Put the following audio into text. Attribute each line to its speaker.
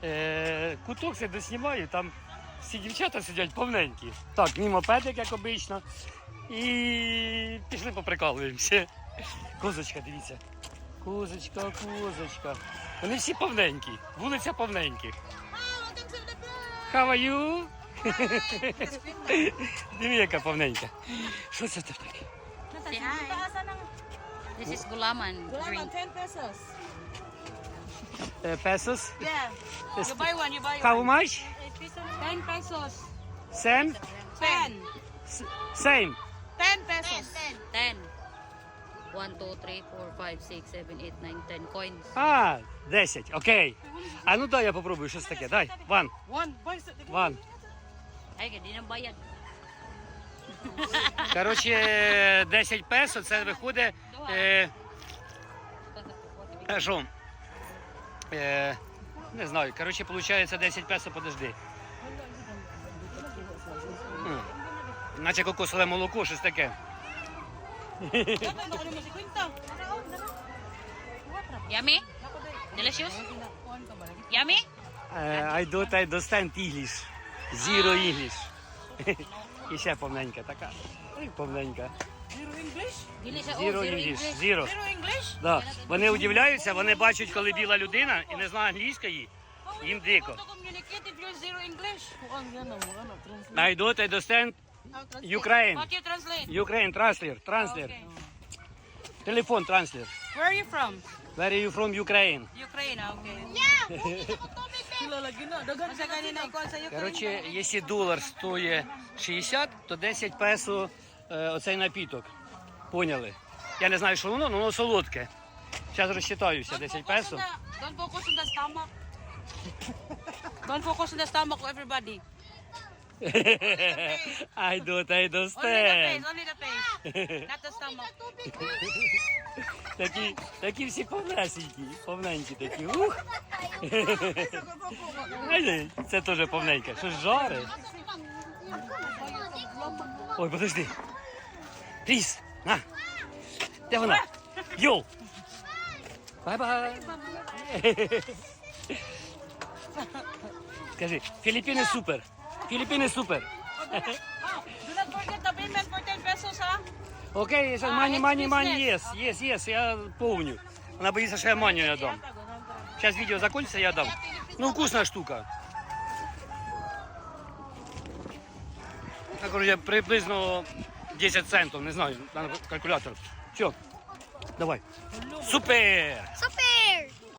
Speaker 1: куток це доснімаю, там всі дівчата сидять повненькі. Так, мій мопедик, як обично. І пішли поприкалуємося. Козочка, дивіться. Козочка, козочка. Вони всі повненькі. Вулиця повненьких. How are you? Диви, яка повненька. Що це таке?
Speaker 2: Say hi. This is gulaman drink.
Speaker 3: 10 pesos.
Speaker 1: Pesos?
Speaker 3: Yeah. You buy one, you buy
Speaker 1: How
Speaker 3: one.
Speaker 1: much?
Speaker 3: 10 pesos.
Speaker 1: Same?
Speaker 3: 10.
Speaker 1: Same.
Speaker 3: 10 pesos.
Speaker 2: 10. 1, 2, 3, 4, 5, 6, 7, 8, 9, 10 coins.
Speaker 1: А, 10, окей. А ну дай я попробую щось таке. Дай, one. One.
Speaker 2: Ay, hindi na bayad.
Speaker 1: Коротше, 10 песо, це виходить, що, не знаю, коротше, виходить 10 песо, подожди. Наче кокосове молоко, щось таке.
Speaker 2: Yummy? Delicious? Yummy?
Speaker 1: I don't understand English. Zero English. І ще повненька така. Ой, повненька.
Speaker 2: Dili siya.
Speaker 1: Zero
Speaker 2: Zero
Speaker 1: English.
Speaker 2: English.
Speaker 1: Zero.
Speaker 3: Zero English?
Speaker 1: Да. Вони удивляються, вони бачать, коли біла людина і не знає англійської, їм дико.
Speaker 3: To communicate if you're zero English.
Speaker 1: I don't understand Ukraine.
Speaker 3: What you translate?
Speaker 1: Ukraine, translator. Телефон, транслер.
Speaker 3: Where are you from?
Speaker 1: Where are you from Ukraine?
Speaker 3: Ukraine, okay. Asa kanina ikaw sa Ukraine?
Speaker 1: Коротше, якщо долар стоїть 60, то 10 песо оцей напіток. Поняли? Я не знаю, що воно, але воно солодке. Зараз розчитаюся, 10 песо.
Speaker 3: Don't focus on the stomach. Don't focus on the stomach of everybody.
Speaker 1: I don't
Speaker 3: Only the
Speaker 1: understand.
Speaker 3: face, only the face. Not the stomach.
Speaker 1: Такі всі повненькі такі. Ух. Ай, це теж повненьке. Щось жарить. Ой, подожди. Ріс, на. Де вона? Йоу. Бай-бай. Скажи, Філіппіни супер. Філіппіни супер.
Speaker 3: Do not forget the payment for 10 pesos, ha?
Speaker 1: Окей, зараз мані, єс, я помню. Вона боїться, що я манію я дам. Зараз відео закінчиться, я дам. Ну, вкусна штука. Так, короче, приблизно 10 центів, не знаю, треба калькулятор. Все, давай. Супер!
Speaker 2: Super!